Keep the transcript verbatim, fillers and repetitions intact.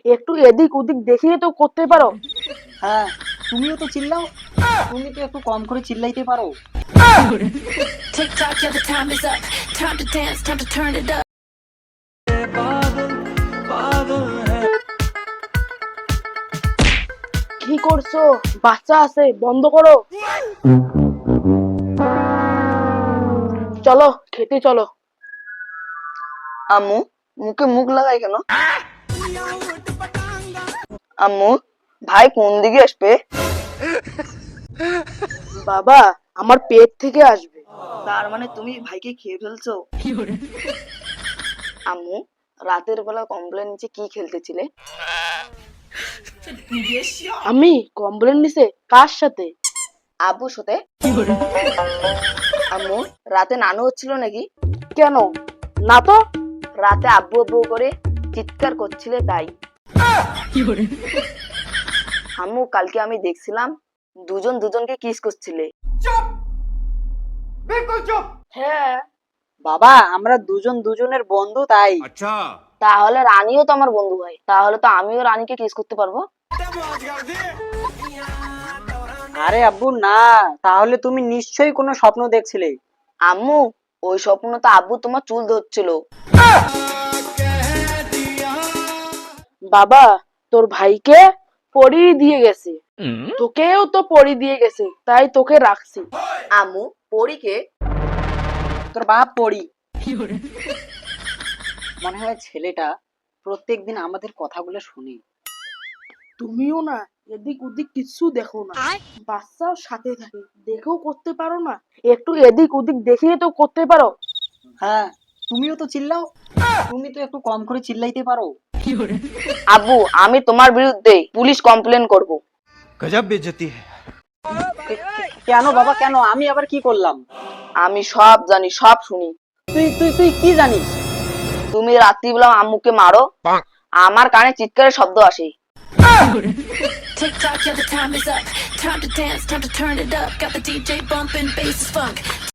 একটু এদিক ওদিক দেখিয়ে তো করতে পারো। হ্যাঁ, তুমিও তো চিল্লাও, তুমি তো একটু কম করে চিল্লাইতে পারো। TikTok, yeah, the time is up. Time to dance, time to turn it up. কি করছো? বাচ্চা আছে, বন্ধ করো। চলো খেতে চলো। আম্মু, মুখে মুখ লাগাই কেন? আম্মু, ভাই কোন দিকে আসবে? বাবা, আমার পেট থেকে আসবে। তার মানে তুমি ভাইকে খেয়ে ফেলছো? আম্মু, রাতের বেলা কমপ্লেন নিচে কি খেলতেছিলে? আমি কমপ্লেন নিছে কার সাথে? আব্বুর সাথে। আম্মু, রাতে নানু হচ্ছিল নাকি? কেন? না তো। রাতে আব্বু আব্বু করে চিৎকার করছিলে তাই। আম্মু, কালকে আমি দেখছিলাম দুজন দুজনকে কিস করছিলে। হ্যাঁ। বাবা, আমরা দুজন দুজনের বন্ধু তাই। তাহলে রানীও তো আমার বন্ধু হয়, তাহলে তো আমিও রানীকে কিস করতে পারবো। আরে আব্বু না, তাহলে তুমি নিশ্চয়ই কোনো স্বপ্ন দেখছিলে। আম্মু, ওই স্বপ্ন তো আব্বু তোমার চুল ধরছিল। বাবা, তোর ভাইকে পরি দিয়ে গেছে, তোকেও তো পরি দিয়ে গেছে, তাই তোকে রাখছি। আম্মু, পরীকে? তোর বাপ পড়ি। মনে হয় ছেলেটা প্রত্যেকদিন আমাদের কথাগুলো শুনে। তুমিও না এদিক ওদিক কিছু দেখো না, বাচ্চাও সাথে থাকে, দেখেও করতে পারো না। একটু এদিক ওদিক দেখিয়ে তো করতে পারো। হ্যাঁ, তুমিও তো চিল্লাও, তুমি তো একটু কম করে চিল্লাইতে পারো। আব্বু, আমি তোমার বিরুদ্ধে পুলিশ কমপ্লেন করব। गजब बेइज्जती है। কেন বাবা, কেন? আমি আবার কি করলাম? আমি সব জানি, সব শুনি। তুই তুই তুই কি জানিস? তুমি রাত্রিবেলা আম্মুকে মারো, আমার কানে চিৎকারের শব্দ আসে। TikTok, yeah, the time is up. Time to dance, time to turn it up. Got the D J bumping, bass is funk.